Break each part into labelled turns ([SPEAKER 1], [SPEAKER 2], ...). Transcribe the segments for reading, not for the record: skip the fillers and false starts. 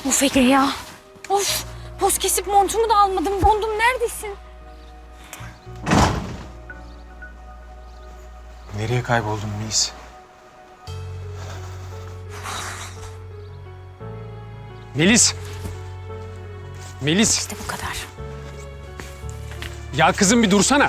[SPEAKER 1] Of Ege ya. Of. Poz kesip montumu da almadım. Dondum, neredesin?
[SPEAKER 2] Nereye kayboldun Melis? Melis! Melis!
[SPEAKER 1] İşte bu kadar.
[SPEAKER 2] Ya kızım bir dursana.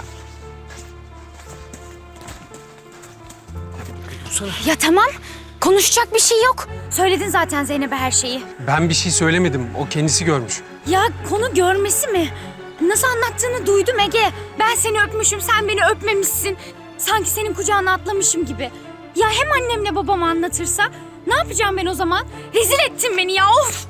[SPEAKER 1] Ya tamam. Konuşacak bir şey yok. Söyledin zaten Zeynep'e her şeyi.
[SPEAKER 2] Ben bir şey söylemedim. O kendisi görmüş.
[SPEAKER 1] Ya konu görmesi mi? Nasıl anlattığını duydum Ege. Ben seni öpmüşüm, sen beni öpmemişsin. Sanki senin kucağına atlamışım gibi. Ya hem annemle babam anlatırsa? Ne yapacağım ben o zaman? Rezil ettin beni ya, of!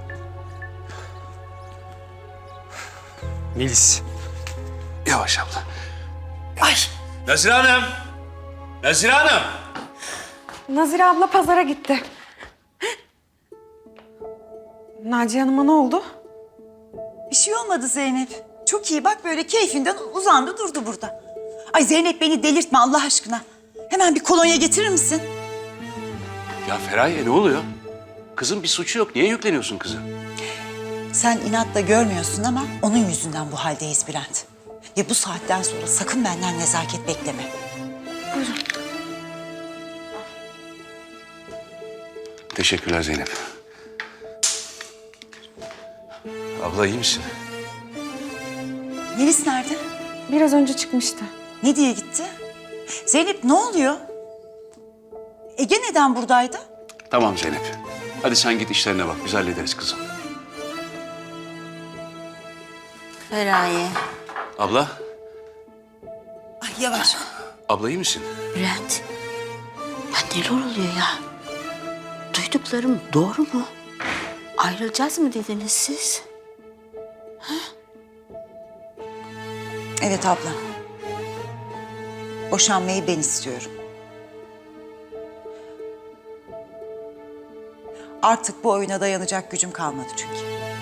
[SPEAKER 2] Melis.
[SPEAKER 3] Yavaş abla. Ay. Nazire Hanım. Nazire Hanım.
[SPEAKER 4] Nazire abla pazara gitti. Naciye Hanım'a ne oldu?
[SPEAKER 5] Bir şey olmadı Zeynep. Çok iyi bak böyle keyfinden uzandı durdu burada. Ay Zeynep beni delirtme Allah aşkına. Hemen bir kolonya getirir misin?
[SPEAKER 3] Ya Feraye ne oluyor? Kızın bir suçu yok. Niye yükleniyorsun kızı?
[SPEAKER 5] Sen inatla görmüyorsun ama onun yüzünden bu haldeyiz Bülent. Ve bu saatten sonra sakın benden nezaket bekleme.
[SPEAKER 3] Teşekkürler Zeynep. Abla iyi misin?
[SPEAKER 5] Melis nerede?
[SPEAKER 4] Biraz önce çıkmıştı.
[SPEAKER 5] Ne diye gitti? Zeynep ne oluyor? Ege neden buradaydı?
[SPEAKER 3] Tamam Zeynep. Hadi sen git işlerine bak. Biz hallederiz kızım.
[SPEAKER 6] Feraye.
[SPEAKER 3] Abla.
[SPEAKER 5] Ay yavaş.
[SPEAKER 3] Abla iyi misin?
[SPEAKER 6] Bülent. Ya neler oluyor ya? Duyduklarım doğru mu? Ayrılacağız mı dediniz siz?
[SPEAKER 5] Evet abla. Boşanmayı ben istiyorum. Artık bu oyuna dayanacak gücüm kalmadı çünkü.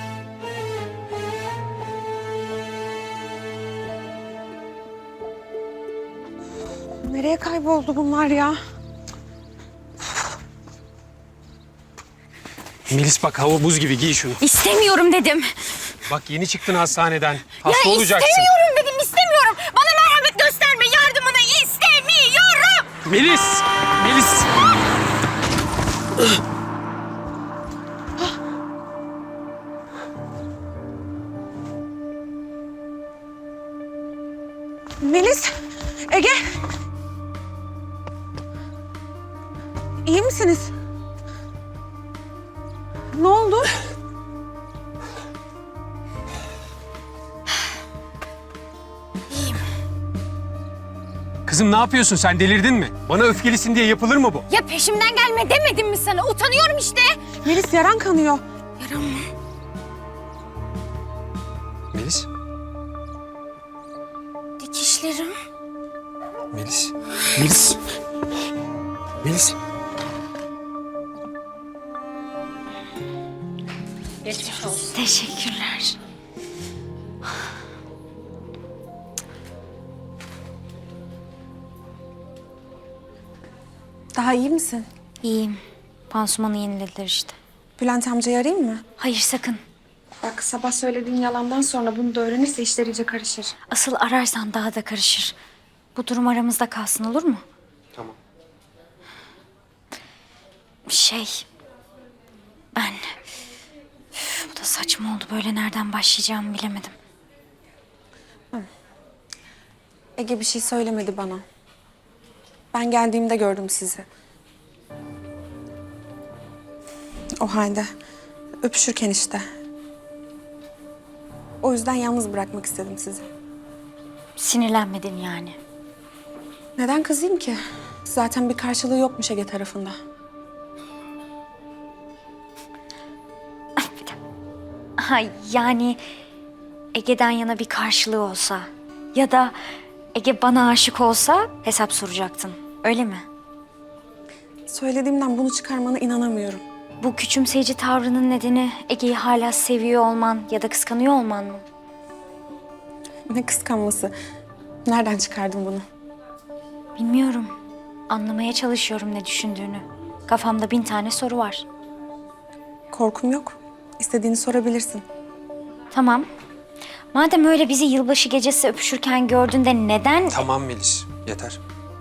[SPEAKER 4] Nereye kayboldu bunlar ya?
[SPEAKER 2] Melis bak hava buz gibi, giy şunu.
[SPEAKER 1] İstemiyorum dedim.
[SPEAKER 2] Bak yeni çıktın hastaneden. Hasta
[SPEAKER 1] Ya
[SPEAKER 2] olacaksın.
[SPEAKER 1] istemiyorum dedim, istemiyorum. Bana merhamet gösterme, yardımını istemiyorum.
[SPEAKER 2] Melis! Melis!
[SPEAKER 4] Melis, Ege. İyi misiniz? Ne oldu?
[SPEAKER 2] Kızım ne yapıyorsun sen, delirdin mi? Bana öfkelisin diye yapılır mı bu?
[SPEAKER 1] Ya peşimden gelme demedim mi sana? Utanıyorum işte.
[SPEAKER 4] Melis yaran kanıyor.
[SPEAKER 1] Yaram mı?
[SPEAKER 2] Melis?
[SPEAKER 1] Dikişlerim.
[SPEAKER 2] Melis? Melis? Melis?
[SPEAKER 1] Teşekkürler.
[SPEAKER 4] Daha iyi misin?
[SPEAKER 1] İyiyim. Pansumanı yenilediler işte.
[SPEAKER 4] Bülent amcayı arayayım mı?
[SPEAKER 1] Hayır sakın.
[SPEAKER 4] Bak sabah söylediğin yalandan sonra bunu da öğrenirse işler iyice karışır.
[SPEAKER 1] Asıl ararsan daha da karışır. Bu durum aramızda kalsın, olur mu?
[SPEAKER 2] Tamam.
[SPEAKER 1] Ben... bu da saçma oldu. Böyle nereden başlayacağımı bilemedim.
[SPEAKER 4] Ege bir şey söylemedi bana. Ben geldiğimde gördüm sizi. O halde öpüşürken işte. O yüzden yalnız bırakmak istedim sizi.
[SPEAKER 1] Sinirlenmedin yani.
[SPEAKER 4] Neden kızayım ki? Zaten bir karşılığı yokmuş Ege tarafında.
[SPEAKER 1] Ha, yani Ege'den yana bir karşılığı olsa ya da Ege bana aşık olsa hesap soracaktın. Öyle mi?
[SPEAKER 4] Söylediğimden bunu çıkarmana inanamıyorum.
[SPEAKER 1] Bu küçümseyici tavrının nedeni Ege'yi hala seviyor olman ya da kıskanıyor olman mı?
[SPEAKER 4] Ne kıskanması. Nereden çıkardın bunu?
[SPEAKER 1] Bilmiyorum. Anlamaya çalışıyorum ne düşündüğünü. Kafamda 1000 tane soru var.
[SPEAKER 4] Korkum yok. İstediğini sorabilirsin.
[SPEAKER 1] Tamam. Madem öyle bizi yılbaşı gecesi öpüşürken gördün de neden...
[SPEAKER 2] Tamam Melis, yeter.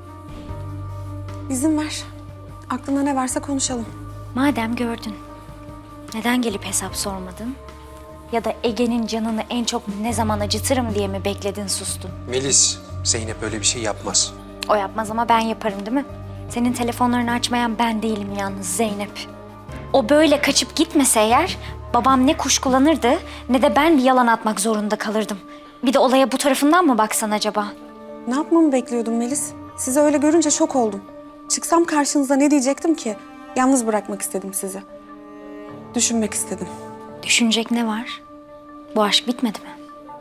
[SPEAKER 4] İzin ver. Aklına ne varsa konuşalım.
[SPEAKER 1] Madem gördün, neden gelip hesap sormadın? Ya da Ege'nin canını en çok ne zaman acıtırım diye mi bekledin, sustun?
[SPEAKER 2] Melis, Zeynep öyle bir şey yapmaz.
[SPEAKER 1] O yapmaz ama ben yaparım değil mi? Senin telefonlarını açmayan ben değilim yalnız Zeynep. O böyle kaçıp gitmese eğer babam ne kuşkulanırdı ne de ben bir yalan atmak zorunda kalırdım. Bir de olaya bu tarafından mı baksan acaba?
[SPEAKER 4] Ne yapmamı bekliyordun Melis? Sizi öyle görünce şok oldum. Çıksam karşınıza ne diyecektim ki? Yalnız bırakmak istedim sizi. Düşünmek istedim.
[SPEAKER 1] Düşünecek ne var? Bu aşk bitmedi mi?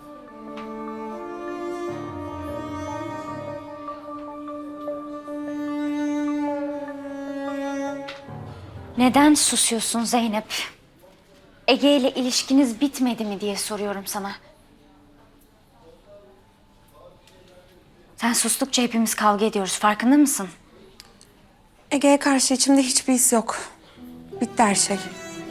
[SPEAKER 1] Neden susuyorsun Zeynep? Ege ile ilişkiniz bitmedi mi diye soruyorum sana. Sen sustukça hepimiz kavga ediyoruz, farkında mısın?
[SPEAKER 4] Ege'ye karşı içimde hiçbir his yok. Bitti her şey.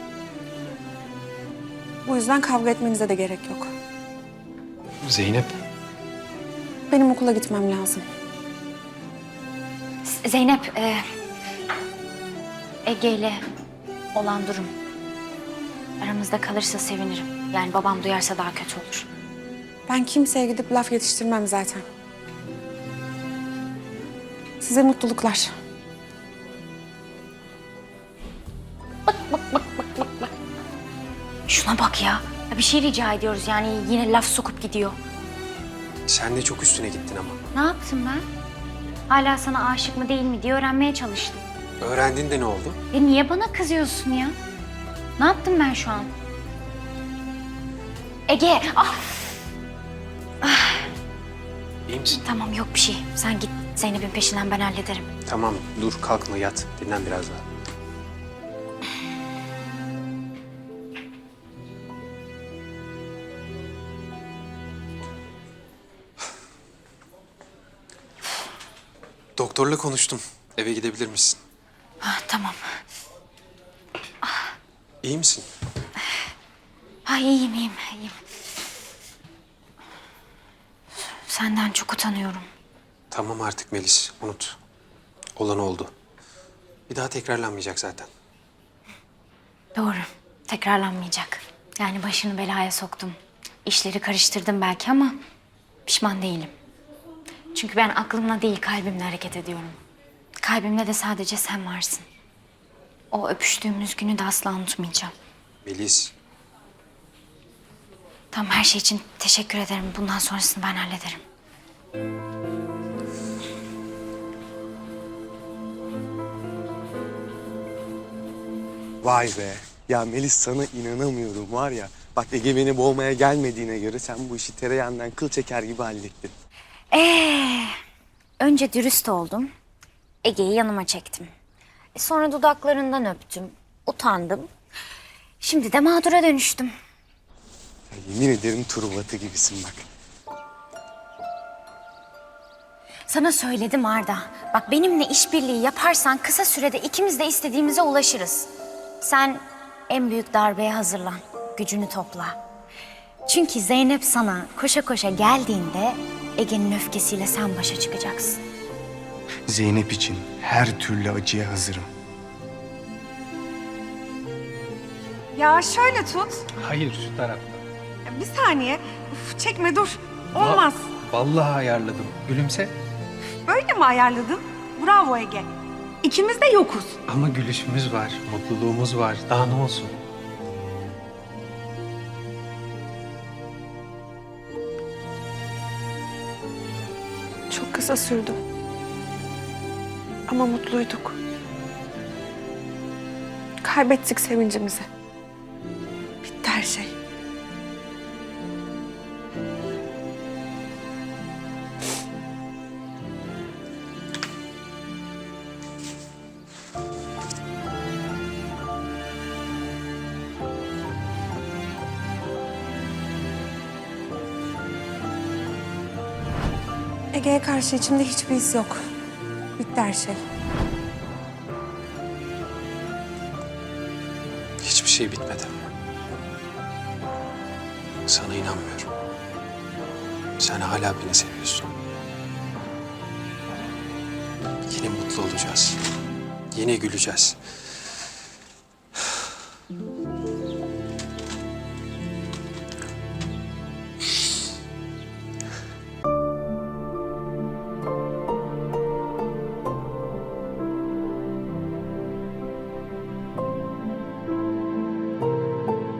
[SPEAKER 4] Bu yüzden kavga etmenize de gerek yok.
[SPEAKER 2] Zeynep,
[SPEAKER 4] Benim okula gitmem lazım.
[SPEAKER 1] Zeynep, Ege ile olan durum aramızda kalırsa sevinirim. Yani babam duyarsa daha kötü olur.
[SPEAKER 4] Ben kimseye gidip laf yetiştirmem zaten. Size mutluluklar.
[SPEAKER 1] Şuna bak ya. Ya bir şey rica ediyoruz yani yine laf sokup gidiyor.
[SPEAKER 2] sen de çok üstüne gittin ama.
[SPEAKER 1] Ne yaptım ben? Hala sana aşık mı değil mi diye öğrenmeye çalıştım.
[SPEAKER 2] Öğrendin de ne oldu?
[SPEAKER 1] Niye bana kızıyorsun ya? Ne yaptım ben şu an? Ege,
[SPEAKER 2] İyi misin?
[SPEAKER 1] tamam yok bir şey. Sen git Zeynep'in peşinden ben hallederim.
[SPEAKER 2] Tamam, dur kalkma yat. Dinlen biraz daha. Doktorla konuştum. Eve gidebilir misin?
[SPEAKER 1] Tamam.
[SPEAKER 2] İyi misin?
[SPEAKER 1] İyiyim. Senden çok utanıyorum.
[SPEAKER 2] Tamam artık Melis, unut. Olan oldu. Bir daha tekrarlanmayacak zaten.
[SPEAKER 1] Doğru. Tekrarlanmayacak. Yani başını belaya soktum. İşleri karıştırdım belki ama pişman değilim. Çünkü ben aklımla değil kalbimle hareket ediyorum. Kalbimde de sadece sen varsın. O öpüştüğümüz günü de asla unutmayacağım.
[SPEAKER 2] Melis,
[SPEAKER 1] Tamam her şey için teşekkür ederim. Bundan sonrasını ben hallederim.
[SPEAKER 7] Vay be. Ya Melis sana inanamıyorum var ya. Bak Ege beni boğmaya gelmediğine göre sen bu işi tereyağından kıl çeker gibi hallettin.
[SPEAKER 1] Önce dürüst oldum. Ege'yi yanıma çektim. Sonra dudaklarından öptüm. Utandım. Şimdi de mağdura dönüştüm.
[SPEAKER 7] Ya yemin ederim turbatı gibisin bak.
[SPEAKER 1] Sana söyledim Arda. Bak benimle işbirliği yaparsan kısa sürede ikimiz de istediğimize ulaşırız. Sen en büyük darbeye hazırlan. Gücünü topla. Çünkü Zeynep sana koşa koşa geldiğinde Ege'nin öfkesiyle sen başa çıkacaksın.
[SPEAKER 8] Zeynep için her türlü acıya hazırım.
[SPEAKER 9] Ya şöyle tut.
[SPEAKER 10] Hayır şu tarafta.
[SPEAKER 9] Bir saniye. Uf, çekme dur. Olmaz.
[SPEAKER 10] Vallahi ayarladım. Gülümse.
[SPEAKER 9] Böyle mi ayarladın? Bravo Ege. İkimiz de yokuz.
[SPEAKER 10] Ama gülüşümüz var, mutluluğumuz var. Daha ne olsun?
[SPEAKER 4] Çok kısa sürdü. Ama mutluyduk. Kaybettik sevincimizi. Bitti her şey. Ege'ye karşı içimde hiçbir his yok. Bitti her şey.
[SPEAKER 2] hiçbir şey bitmedi. Sana inanmıyorum. Sen hala beni seviyorsun. Yine mutlu olacağız. Yine güleceğiz.